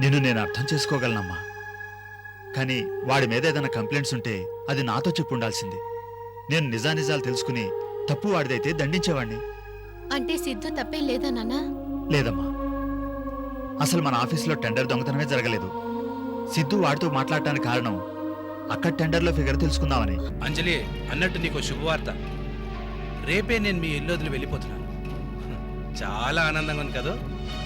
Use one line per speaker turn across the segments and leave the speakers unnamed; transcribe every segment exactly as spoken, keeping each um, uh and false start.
నిన్ను నేను అర్థం చేసుకోగలనమ్మా. కానీ వాడి మీద ఏదైనా కంప్లైంట్స్ ఉంటే అది నాతో చెప్పు ఉండాల్సింది. నేను నిజానిజాలు తెలుసుకుని తప్పు వాడిదైతే దండించేవాణ్ణి.
అంటే సిద్ధు తప్పేం లేదా నాన్నా?
లేదమ్మా, అసలు మన ఆఫీసులో టెండర్ దొంగతనమే జరగలేదు. సిద్ధు వాడితో మాట్లాడటానికి కారణం అక్కడ టెండర్లో ఫిగర్ తెలుసుకుందామని.
అంజలి, అన్నట్టు నీకు శుభవార్త. రేపే నేను మీ ఇల్లు వదిలి వెళ్ళిపోతున్నాను. చాలా ఆనందంగా ఉంది కదా.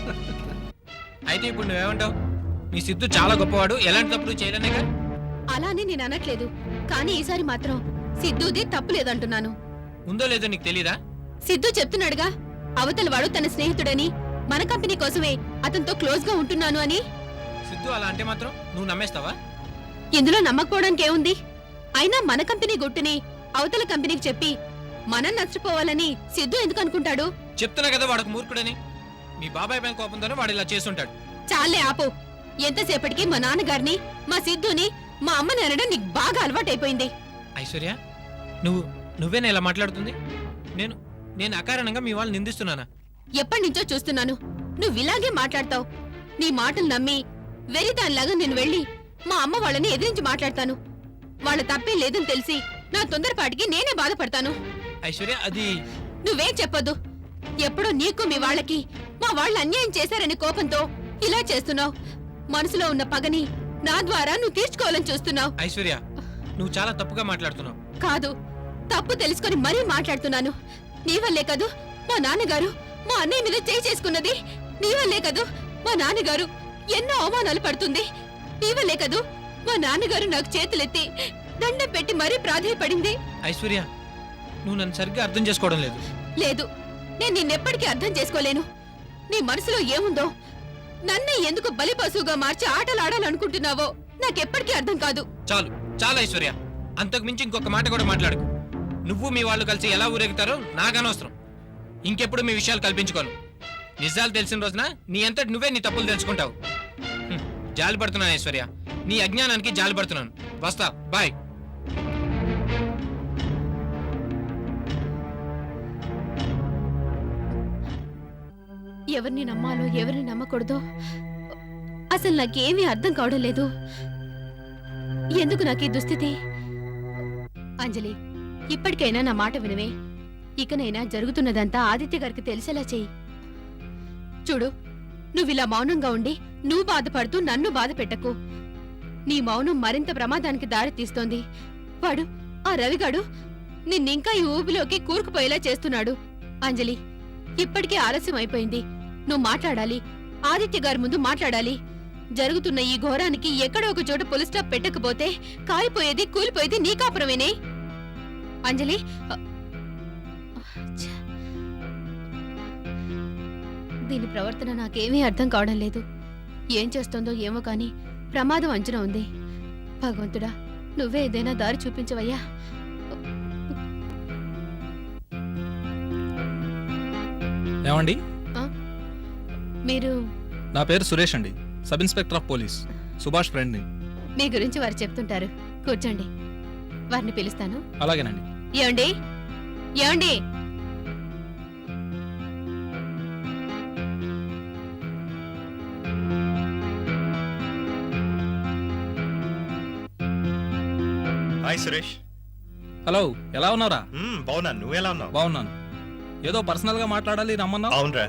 అయితే ఇప్పుడు నువ్వేమంటావు? మీ సిద్ధు చాలా గొప్పవాడు, ఎలాంటి తప్పుడు చేయలేనేగా.
అలానే నేను అనట్లేదు, కానీ ఈసారి మాత్రం సిద్ధుది తప్పు లేదంటున్నాను.
ఉందో లేదో నీకు తెలీదా?
సిద్ధు చెప్తున్నాడుగా, అవతల వాడు తన స్నేహితుడని, మన కంపెనీ కోసమే అతనితో క్లోజ్ గా ఉంటున్నాను అని.
సిద్ధు అలా అంటే మాత్రం నువ్వు నమ్మేస్తావా?
ఇందులో నమ్మకపోవడానికి ఏముంది? అయినా మన కంపెనీ గుట్టుని అవతల కంపెనీకి చెప్పి మనం నష్టపోవాలని సిద్ధు ఎందుకు అనుకుంటాడు?
చెప్తున్నా కదా వాడకు మూర్ఖుడని. మీ బాబాయ్ పైన కోపంతోనే వాడు ఇలా చేస్తుంటాడు.
చాలే ఆపు. ఎంతసేపటికి మా నాన్నగారిని, మా సిద్ధుని, మా అమ్మని అనడం నీకు బాగా అలవాటైపోయింది.
ఐశ్వర్య, నువ్వు నువ్వేనా ఇలా మాట్లాడుతుంది? నేను నేను అకారణంగా మీ వాళ్ళు నిందిస్తున్నానా?
ఎప్పటి నుంచో చూస్తున్నాను నువ్వు ఇలాగే మాట్లాడతావు. నీ మాటలు నమ్మి వెరిదానిలాగా నేను వెళ్ళి మా అమ్మ వాళ్ళని ఎదిరించి మాట్లాడతాను. వాళ్ళ తప్పే లేదని తెలిసి నా తొందరపాటికి నేనే బాధపడతాను.
ఐశ్వర్య, అది
నువ్వేం చెప్పొద్దు. ఎప్పుడో నీకు మీ వాళ్ళకి మా వాళ్ళు అన్యాయం చేశారనే కోపంతో ఇలా చేస్తున్నావు. మనసులో ఉన్న పగని నా ద్వారా నువ్వు తీర్చుకోవాలని చూస్తున్నావు.
ఐశ్వర్య, నువ్వు చాలా తప్పుగా మాట్లాడుతున్నావు.
కాదు, తప్పు తెలుసుకొని మరీ మాట్లాడుతున్నాను. నీ వల్లే కదూ మా నాన్నగారు మా అన్నయ్య మీద చేయి చేసుకున్నది. నీ వల్లే కదూ మా నాన్నగారు ఎన్నో అవమానాలు పడుతుంది. నీ వల్లే కదూ మా నాన్నగారు నాకు చేతులెత్తి దండం పెట్టి మరీ ప్రాధేయపడింది.
ఐశ్వర్య, నువ్వు నన్ను సరిగ్గా అర్థం చేసుకోవడం లేదు.
లేదు, నేను నిన్నెప్పటికీ అర్థం చేసుకోలేను. నీ మనసులో ఏముందో, నన్నే ఎందుకు బలి పశువుగా మార్చి ఆటలు ఆడాలనుకుంటున్నావో నాకెప్పటికీ అర్థం కాదు.
చాలు చాలు ఐశ్వర్య, అంతకు మించి ఇంకొక మాట కూడా మాట్లాడుకు. నువ్వు మీ వాళ్ళు కలిసి ఎలా ఊరేగుతారో నాకనవసరం. ఇంకెప్పుడు మీ విషయాలు కల్పించుకోను. నిజాలు తెలిసిన రోజున నీ అంతటి నువ్వే నీ తప్పులు తెలుసుకుంటావు. హ్మ్, జాలి పడుతున్నాను ఐశ్వర్య, నీ అజ్ఞానానికి జాలి పడుతున్నాను. వస్తా, బాయ్.
ఎవరిని నమ్మాలో ఎవరిని నమ్మకూడదో అసలు నాకేమీ అర్థం కావడం లేదు. ఎందుకు నాకు ఈ దుస్థితి? అంజలి, ఇప్పటికైనా నా మాట వినవే. ఇకనైనా జరుగుతున్నదంతా ఆదిత్య గారికి తెలిసేలా చెయ్యి. చూడు, నువ్విలా మౌనంగా ఉండి నువ్వు బాధపడుతూ నన్ను బాధ పెట్టకు. నీ మౌనం మరింత ప్రమాదానికి దారి తీస్తోంది. వాడు, ఆ రవిగాడు నిన్నింకా ఈ ఊబిలోకి కూరుకుపోయేలా చేస్తున్నాడు. అంజలి, ఇప్పటికే ఆలస్యం అయిపోయింది. నువ్వు మాట్లాడాలి, ఆదిత్య గారి ముందు మాట్లాడాలి. జరుగుతున్న ఈ ఘోరానికి ఎక్కడో ఒక చోట పులి స్టాప్ పెట్టకపోతే కాలిపోయేది కూలిపోయేది నీ కాపురమేనే. అంజలి, దీని ప్రవర్తన నాకేమీ అర్థం కావడం లేదు. ఏం చేస్తోందో ఏమో కాని ప్రమాదం అంచనా ఉంది. భగవంతుడా, నువ్వే ఏదైనా దారి చూపించవయ్యా.
ఏమండి?
మీరు?
నా పేరు సురేష్ అండి, sub inspector of police, Subhash ఫ్రెండ్ని.
మీ గురించి వారు చెప్తుంటారు. కూర్చోండి, వారిని పిలుస్తాను.
అలాగేనండి.
ఏమండి, ఏమండి?
హాయ్ సురేష్.
హలో, ఎలా ఉన్నారా?
బాగున్నాను, నువ్వు ఎలా ఉన్నావు?
బాగున్నాను. ఏదో పర్సనల్ గా మాట్లాడాలి రమ్మన్నా.
అవునరా.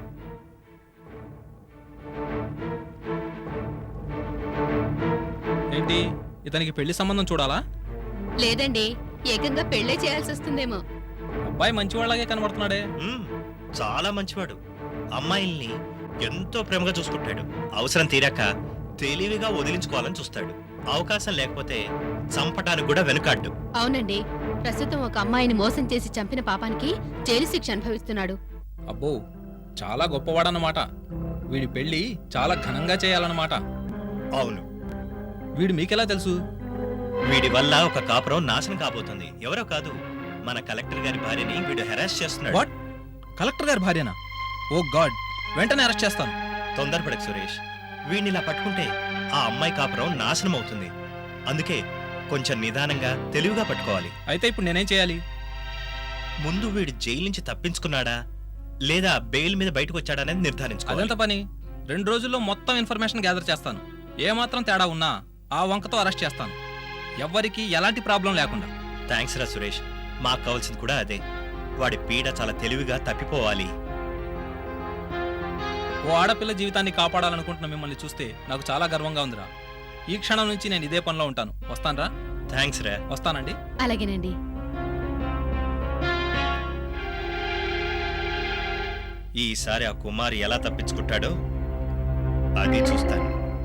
ఏంటి, ఇతనికి పెళ్లి సంబంధం చూడాలా?
లేదండి, ఏకంగా పెళ్లే చేయాల్సి వస్తుందేమో.
అబ్బాయి మంచివాళ్ళగే కనబడుతున్నాడే.
మ్మ్, చాలా మంచివాడు. అమ్మాయిల్ని ఎంతో ప్రేమగా చూసుకుంటాడు. అవసరం తీరాక తెలివిగా వదిలించుకోవాలని చూస్తాడు. అవకాశం లేకపోతే చంపటానికి కూడా వెనుకాడ్డు.
అవునండి, ప్రస్తుతం ఒక అమ్మాయిని మోసం చేసి చంపిన పాపానికి జైలు శిక్ష అనుభవిస్తున్నాడు.
అబ్బో, చాలా గొప్పవాడన్నమాట. వీడి పెళ్లి చాలా ఘనంగా చేయాలన్నమాట.
అవును.
వీడు మీకెలా తెలుసు?
వీడి వల్ల ఒక కాపురం నాశనం కాబోతుంది. ఎవరో కాదు, మన కలెక్టర్ గారి భార్యని వీడు హెరాస్ చేస్తున్నాడు.
వాట్? కలెక్టర్ గారి భార్యనా? ఓ గాడ్, వెంటనే అరెస్ట్ చేస్తాను.
తొందరపడకు సురేష్, వీడిని ఇలా పట్టుకుంటే ఆ అమ్మాయి కాపురం నాశనం అవుతుంది. అందుకే కొంచెం నిదానంగా తెలివిగా పట్టుకోవాలి.
అయితే ఇప్పుడు నేనేం చేయాలి?
ముందు వీడు జైలు నుంచి తప్పించుకున్నాడా లేదా బెయిల్ మీద బయటకు వచ్చాడా అనేది నిర్ధారించుకోవాలి.
అదంత పని రెండు రోజుల్లో మొత్తం ఇన్ఫర్మేషన్ గ్యాదర్ చేస్తాను. ఏమాత్రం తేడా ఉన్నా ఆ వంకతో అరెస్ట్ చేస్తాను. ఎవ్వరికీ ఎలాంటి ప్రాబ్లం లేకుండా.
థ్యాంక్స్ రా సురేష్, మాకు కావాల్సింది కూడా అదే. వాడి పీడ చాలా తెలివిగా తప్పిపోవాలి.
ఓ ఆడపిల్ల జీవితాన్ని కాపాడాలనుకుంటున్న మిమ్మల్ని చూస్తే నాకు చాలా గర్వంగా ఉందిరా. ఈ క్షణం నుంచి నేను ఇదే పనిలో ఉంటాను. వస్తానరా?
థ్యాంక్స్ రా.
వస్తానండి.
అలాగేనండి.
ఈసారి ఆ కుమార్ ఎలా తప్పించుకుంటాడో అది చూస్తాను.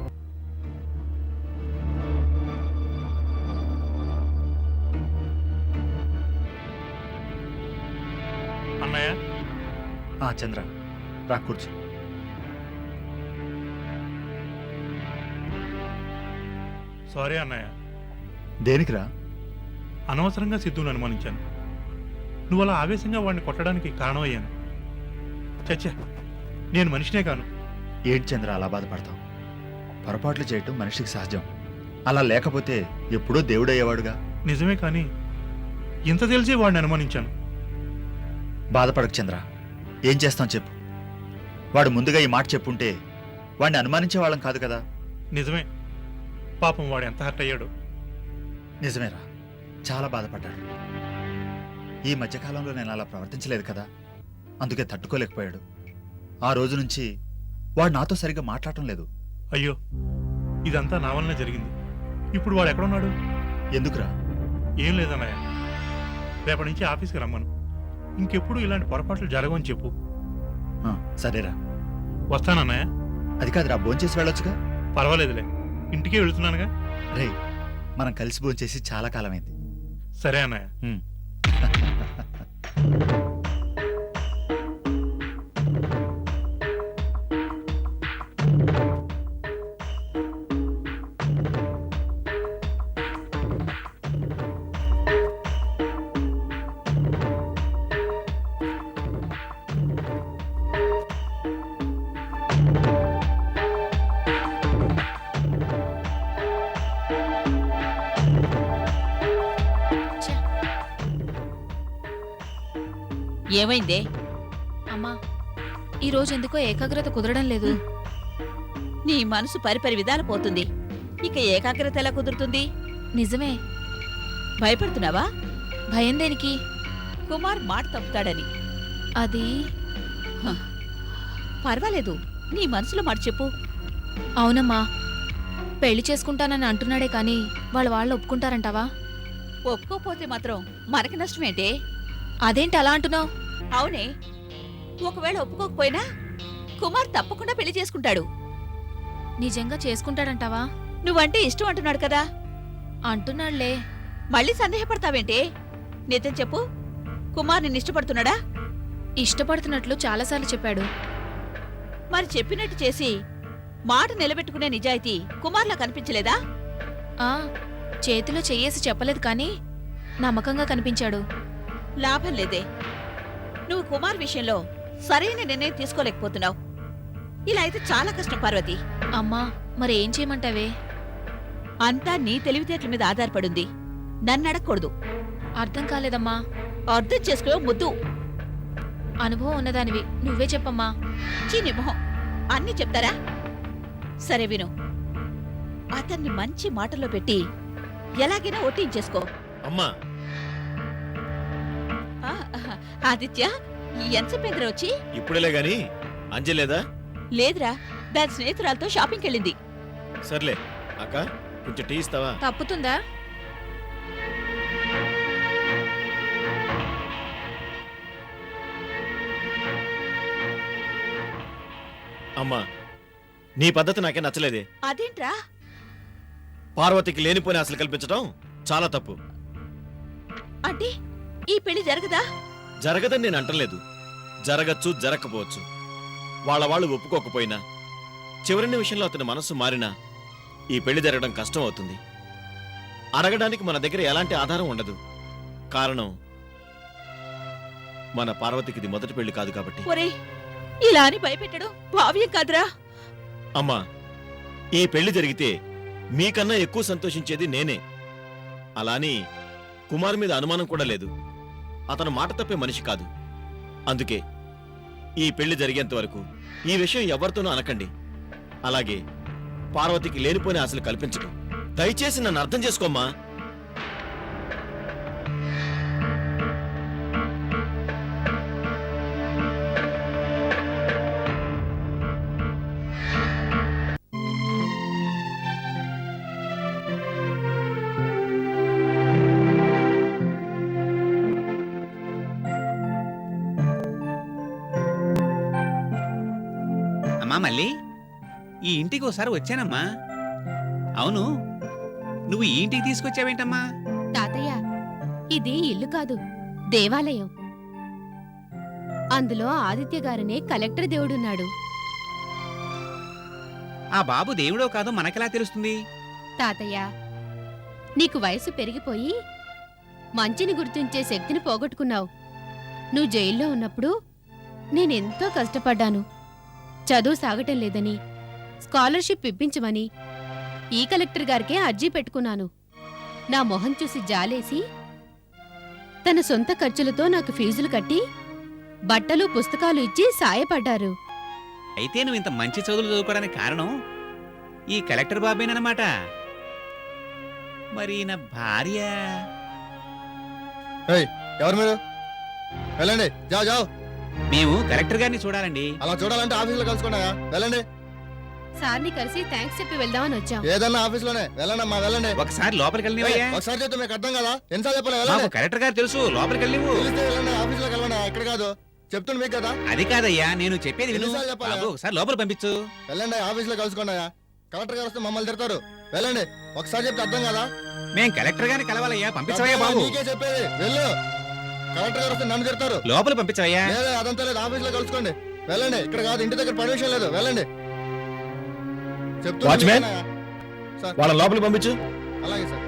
అన్నయ్య,
ఆ చంద్ర, రా కూర్చో.
సారీ అన్నయ్య,
దేనికిరా?
అనవసరంగా సిద్ధుని అనుమానించాను. నువ్వు అలా ఆవేశంగా వాడిని కొట్టడానికి కారణమయ్యాను. చచ్చా, నేను మనిషినే కాను.
ఏంటి చంద్ర అలా బాధపడతావు? పొరపాట్లు చేయటం మనిషికి సహజం. అలా లేకపోతే ఎప్పుడో దేవుడయ్యేవాడుగా.
నిజమే, కానీ ఇంత తెలిసి వాడిని అనుమానించాను.
బాధపడకు చంద్ర, ఏం చేస్తాం చెప్పు. వాడు ముందుగా ఈ మాట చెప్పుంటే వాడిని అనుమానించే వాళ్ళం కాదు కదా.
నిజమే, పాపం వాడు ఎంత హర్ట్ అయ్యాడు.
నిజమేరా, చాలా బాధపడ్డాడు. ఈ మధ్యకాలంలో నేను అలా ప్రవర్తించలేదు కదా, అందుకే తట్టుకోలేకపోయాడు. ఆ రోజు నుంచి వాడు నాతో సరిగ్గా మాట్లాడటం లేదు.
అయ్యో, ఇదంతా నా వల్లనే జరిగింది. ఇప్పుడు వాడు ఎక్కడున్నాడు?
ఎందుకురా?
ఏం లేదన్నయ్య, రేపటి నుంచి ఆఫీస్కి రమ్మను. ఇంకెప్పుడు ఇలాంటి పొరపాట్లు జరగవని చెప్పు.
ఆ, సరేరా.
వస్తానన్నయ్య.
అది కాదురా, భోంచేసి వెళ్ళొచ్చుగా.
పర్వాలేదులే, ఇంటికే వెళుతున్నానుగా.
రే, మనం కలిసి భోంచేసి చాలా కాలమైంది.
సరే అన్నయ్య.
ఉమ్.
ఏమైందే?
అమ్మా, ఈ రోజు ఎందుకో ఏకాగ్రత కుదరడం లేదు.
నీ మనసు పరిపరి విధాలు పోతుంది. ఇక ఏకాగ్రత ఎలా కుదురుతుంది?
నిజమే.
భయపడుతున్నావా?
భయం దేనికి?
కుమార్ మాట తప్పుతాడని.
అది
పర్వాలేదు, నీ మనసులో మాట చెప్పు.
అవునమ్మా, పెళ్లి చేసుకుంటానని అంటున్నాడే కానీ వాళ్ళ వాళ్ళు ఒప్పుకుంటారంటావా?
ఒప్పుకోపోతే మాత్రం మనకి నష్టమేంటే?
అదేంటి అలా అంటున్నావు?
అవునే, ఒకవేళ ఒప్పుకోకపోయినా కుమార్ తప్పకుండా పెళ్లి చేసుకుంటాడు.
నిజంగా చేసుకుంటాడంటావా?
నువ్వంటే ఇష్టం అంటున్నాడు కదా.
అంటున్నాళ్లే.
మళ్ళీ సందేహపడతావేంటే? నిజం చెప్పు, కుమార్ నిన్ను ఇష్టపడుతున్నాడా?
ఇష్టపడుతున్నట్లు చాలాసార్లు చెప్పాడు.
మరి చెప్పినట్టు చేసి మాట నిలబెట్టుకునే నిజాయితీ కుమార్లా కనిపించలేదా?
ఆ, చేతిలో చెయ్యేసి చెప్పలేదు కానీ నమ్మకంగా కనిపించాడు.
లాభం లేదే, నువ్వు కుమార్ విషయంలో సరైన నిర్ణయం తీసుకోలేకపోతున్నావు. ఇలా అయితే చాలా కష్టం పార్వతి.
అమ్మా, మరేం చేయమంటావే?
అంతా నీ తెలివితేటల మీద ఆధారపడుంది. నన్ను అడగకూడదు.
అర్థం కాలేదమ్మా.
అర్థం చేసుకో ముద్దు.
అనుభవం ఉన్నదానివి, నువ్వే చెప్పమ్మా.
చీని మొహం, అన్నీ చెప్తారా? సరే విను, అతన్ని మంచి మాటల్లో పెట్టి ఎలాగైనా ఒట్టించేసుకో.
అమ్మా,
ఆ, ఆదిత్య, ఎంతసేపేంద్ర వచ్చి?
ఇప్పుడేలే గాని అంజలేదా?
లేదురా, దాని స్నేహితురాలతో షాపింగ్కి వెళ్ళింది.
సర్లే అక్క, కొంచెం టీ ఇస్తావా?
తప్పుతుందా?
అమ్మా, నీ పద్ధతి నాకే నచ్చలేదే.
అదేంట్రా?
పార్వతికి లేనిపోయిన ఆశలు కల్పించడం చాలా తప్పు.
అంటే ఈ పెళ్లి జరగదా?
జరగదని నేను అంటలేదు. జరగచ్చు, జరగకపోవచ్చు. వాళ్ళ వాళ్ళు ఒప్పుకోకపోయినా చివరి నిమిషంలో అతని మనస్సు మారినా ఈ పెళ్లి జరగడం కష్టం అవుతుంది. అడగడానికి మన దగ్గర ఎలాంటి ఆధారం ఉండదు. కారణం, మన పార్వతికి ఇది మొదటి పెళ్లి కాదు కాబట్టి.
ఒరే, ఇలా అని భయపెట్టడం భావ్యం కాదురా.
అమ్మా, ఈ పెళ్లి జరిగితే మీకన్నా ఎక్కువ సంతోషించేది నేనే. అలాని కుమార్ మీద అనుమానం కూడా లేదు. అతను మాట తప్పే మనిషి కాదు. అందుకే ఈ పెళ్లి జరిగేంత వరకు ఈ విషయం ఎవరితోనూ అనకండి. అలాగే పార్వతికి లేనిపోని ఆశలు కల్పించకు. దయచేసి నన్ను అర్థం చేసుకోమ్మా.
అమ్మా మళ్ళీ ఈ ఇంటికి ఒకసారి వచ్చానమ్మా. అవును, నువ్వు ఈ ఇంటికి తీసుకొచ్చావేంటమ్మా?
తాతయ్య, ఇది ఇల్లు కాదు, దేవాలయం. అందులో ఆదిత్య గారనే కలెక్టర్ దేవుడున్నాడు.
ఆ బాబు దేవుడో కాదో మనకెలా తెలుస్తుంది?
తాతయ్య, నీకు వయసు పెరిగిపోయి మంచిని గుర్తించే శక్తిని పోగొట్టుకున్నావు. నువ్వు జైల్లో ఉన్నప్పుడు నేనెంతో కష్టపడ్డాను. చదువు సాగటం లేదని స్కాలర్షిప్ ఇప్పించమని ఈ కలెక్టర్ గారికే అర్జీ పెట్టుకున్నాను. నా మొహం చూసి జాలేసి తన సొంత ఖర్చులతో నాకు ఫీజులు కట్టి బట్టలు పుస్తకాలు ఇచ్చి సాయపడ్డారు.
అయితే నువ్వు ఇంత మంచి చదువులు చదువుకోవడానికి కారణం ఈ కలెక్టర్ బాబేనన్నమాట. మరి నా భార్య
ఎవరు మీరు? వెళ్ళండి, జావ్ జావ్.
మేము కలెక్టర్ గారిని చూడాలండి.
అలా చూడాలంటే ఆఫీసులో కలుసుకున్నాయా? వెళ్ళండి.
సార్ని కలిసి థ్యాంక్స్ చెప్పి వెళ్దామని వచ్చాం.
ఏదన్నా ఆఫీసులోనే వెళ్ళండి అమ్మా, వెళ్ళండి.
ఒకసారి లోపలికి వెళ్ళనివయ్యా.
ఒకసారి చెప్తే మీకు అర్థం కదా, ఎన్నిసార్లు చెప్పలే?
మాకు
వెళ్ళండి.
కలెక్టర్ గారు తెలుసు, లోపలికి వెళ్ళివు.
తెలిస్తే వెళ్ళండి, ఆఫీసులోకి వెళ్ళండి. ఇక్కడ కాదు, చెప్తుంది మీకు కదా.
అది కాదయ్యా, నేను చెప్పేది విను.
ఎన్నిసార్లు చెప్పాలా?
బాబు ఒకసారి లోపల పంపించు.
వెళ్ళండి, ఆఫీసులో కలుసుకున్నాయా? కలెక్టర్ గారు వస్తే మమ్మల్ని తిడతారు. వెళ్ళండి, ఒకసారి చెప్తే అర్థం కదా.
మేం కలెక్టర్ గారిని కలవాలయ్యా, పంపించవయ్యా బాబు.
నీకే చెప్పేది, వెళ్ళు. కలెక్టర్ గారు వస్తే నన్ను తిడతారు.
లోపల పంపించవయ్యా.
లేదా అదంతా లేదు, ఆఫీసులో కలుసుకోండి. వెళ్ళండి, ఇక్కడ కాదు, ఇంటి దగ్గర పర్మిషన్ లేదు. వెళ్ళండి. చెప్తున్నా
వాచ్మ్యాన్?
మీకేనా? సార్,
వాళ్ళ లోపలికి పంపించు.
అలాగే సార్.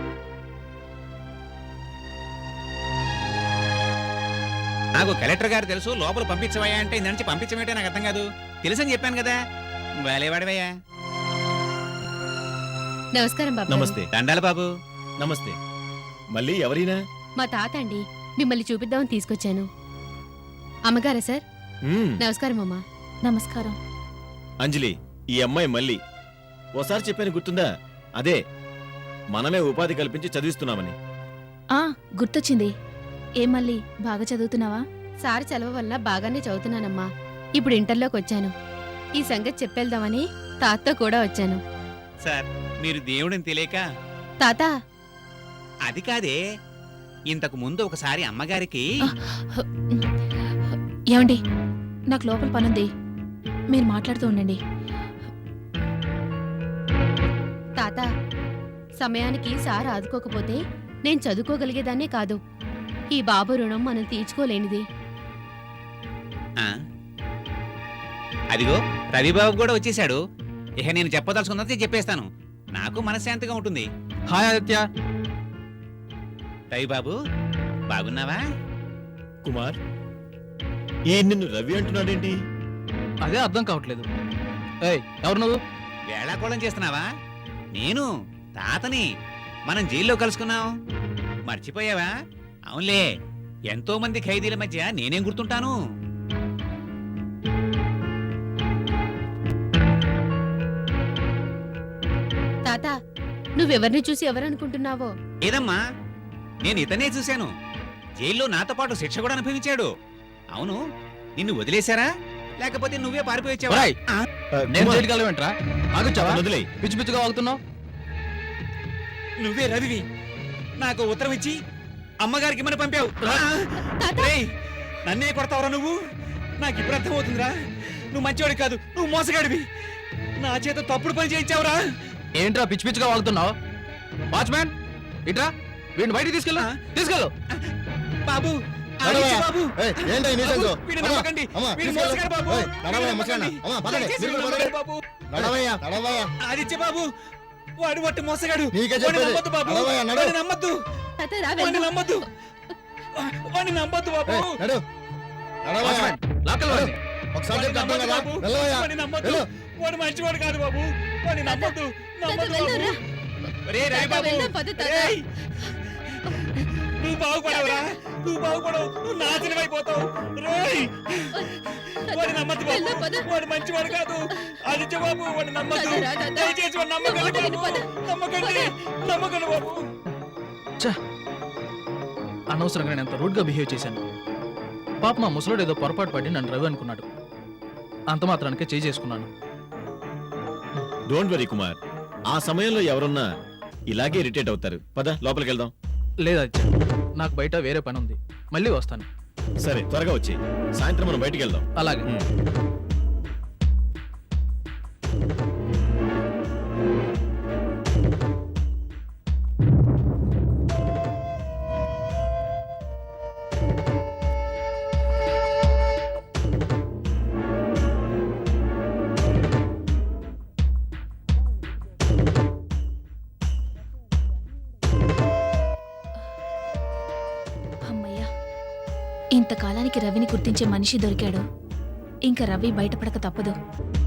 నాకు కలెక్టర్ గారు తెలుసు, లోపల పంపించవయ్యా అంటే ఇంత నుంచి పంపించమేంటే నాకు అర్థం కాదు. తెలుసని చెప్పాను కదా. వేలేవాడివయ్యా.
నమస్కారం బాబు.
నమస్తే.
దండాల బాబు.
నమస్తే. మళ్ళీ ఎవరైనా?
మా తాత అండి, మిమ్మల్ని చూపిద్దామని తీసుకొచ్చాను. అమ్మగారా సార్?
మ్మ్.
నమస్కారం అమ్మా. నమస్కారం.
అంజలి, ఈ అమ్మాయి మళ్ళీ ఓసారి చెప్పాను గుర్తుందా? అదే మనమే ఉపాధి కల్పించి చదివిస్తున్నామని.
ఆ గుర్తొచ్చింది. ఏం మళ్ళీ బాగా చదువుతున్నావా? సార్ చదవ వల్ల బాగానే చదువుతున్నానమ్మా. ఇప్పుడు ఇంటర్లోకి వచ్చాను. ఈ సంగతి చెప్పేద్దామని తాతతో కూడా వచ్చాను.
సార్, మీరు దేవుడిని తెలియక.
తాత,
అది కాదే, ఇంతకు ముందు ఒకసారి అమ్మగారికి.
ఏమండి, నాకు లోపల పనుంది, మీరు మాట్లాడుతూ ఉండండి. తాత, సమయానికి సార్ ఆదుకోకపోతే నేను చదువుకోగలిగేదాన్నే కాదు. ఈ బాబు రుణం మనం తీర్చుకోలేనిది.
ఆ? అదిగో రవిబాబు కూడా వచ్చేసాడు. ఇక నేను చెప్పదలుచుకున్నది చెప్పేస్తాను, నాకు మనశ్శాంతిగా ఉంటుంది.
హాయ్ ఆదిత్య.
రవిబాబు, బాగున్నావా?
కుమార్, ఈ నిన్ను రవి అంటున్నాడేంటి?
అదే అర్థం కావట్లేదు. ఏయ్, ఎవరు నువ్వు?
వేళాకోళం చేస్తున్నావా? నేను తాతని. మనం జైల్లో కలుసుకున్నాం, మర్చిపోయావా? అవునులే, ఎంతో మంది ఖైదీల మధ్య నేనేం గుర్తుంటాను.
తాత, నువ్వెవరిని చూసి ఎవరనుకుంటున్నావో?
ఏదమ్మా, నేను ఇతనే చూశాను. జైల్లో నాతో పాటు శిక్ష కూడా అనుభవించాడు. అవును, నిన్ను వదిలేశారా లేకపోతే నువ్వే పారిపోయి వచ్చావా?
ఒరేయ్,
ఆ?
నేను
కుమార్,
జైలుకి వెళ్ళవేంట్రా? ఆగొచ్చావా?
అతన్ని వదిలేయ్.
పిచ్చి పిచ్చిగా వాగుతున్నావు.
నువ్వే రవివి. నాకు ఉత్తరం ఇచ్చి అమ్మగారికి ఇమ్మని పంపావు.
తాత!
రేయ్, నన్నే కొడతావురా నువ్వు? నాకు ఇప్పుడు అర్థమవుతుందిరా, నువ్వు మంచివాడి కాదు, నువ్వు మోసగాడివి. నా చేత తప్పుడు పని చేయించావురా.
ఏంట్రా పిచ్చి పిచ్చిగా వాగుతున్నావు? వాచ్మ్యాన్, ఇట్రా, వీడిని బయటికి తీసుకెళ్ళు. తీసుకెళ్ళు.
బాబు,
నడవయ్యా.
ఆగించు బాబు.
ఏయ్, ఏంటి ఈ nuisance?
బాబు, వీడిని
అమ్మా,
నమ్మకండి.
అమ్మా,
వీడు
తీసుకెళ్ళు.
మోసగాడు బాబు.
ఏయ్, నడవయ్యా,
వీడిని
ముసలాయన.
నమ్మకండి.
అమ్మా, పదండి,
దయచేసి
మీరు కూడా
వీడిని
పదండి.
నమ్మకండి బాబు.
నడవయ్యా, నడవయ్యా.
ఆదిత్య బాబు, వాడు వట్టి మోసగాడు.
నీకే
వాడిని
చెప్పేది.
నమ్మొద్దు బాబు.
నడవయ్యా, నడు.
వాడిని నమ్మొద్దు.
తాత, రా
వాడిని
వెళ్దాం.
నమ్మొద్దు. వాడిని నమ్మొద్దు బాబు.
ఏయ్, నడు. నడవయ్యా.
వాచ్మ్యాన్, లాక్కలు వాడిని.
ఒకసారి
వాడిని
చెప్తే అర్థం
నమ్మొద్దు
కదా.
బాబు.
వెళ్ళవయ్యా.
వాడిని నమ్మొద్దు.
వెళ్ళు.
వాడు మంచివాడు కాదు బాబు. వాడిని నమ్మొద్దు.
తాత,
నమ్మొద్దు
వెళ్దాం
బాబు.
రా.
ఒరేయ్, రవి
తాత,
బాబు.
వెళ్దాం, పద తాత.
ఒరేయ్, నువ్వు బాగుపడవురా నువ్వు బాగుపడవు నువ్వు నాశనం అయిపోతావు రేయ్ వాడు నమ్మద్దు
వెళ్ళు,
బాబు
పద.
వాడు మంచివాడు కాదు ఆదిత్య బాబు వాడు నమ్మద్దు
పద, రా, రా, రా.
దయచేసి వాడు నమ్మకండి
నువ్వు
బాబు
పద.
నమ్మకండి నమ్మకండి బాబు
అనవసరంగా నేను ఎంత రూడ్గా బిహేవ్ చేశాను. పాప మా ముసలోడు ఏదో పొరపాటు పడి నన్ను రవి అనుకున్నాడు. అంత మాత్రానికే చేయి చేసుకున్నాను.
డోంట్ వరీ కుమార్, ఆ సమయంలో ఎవరున్నా ఇలాగే ఇరిటేట్ అవుతారు. పద లోపలికి వెళ్దాం.
లేదా నాకు బయట వేరే పని ఉంది, మళ్ళీ వస్తాను.
సరే త్వరగా వచ్చి సాయంత్రం మనం బయటికి వెళ్దాం.
అలాగే.
ఉమ్.
అమ్మయ్యా, ఇంతకాలానికి రవిని గుర్తించే మనిషి దొరికాడు. ఇంకా రవి బయటపడక తప్పదు.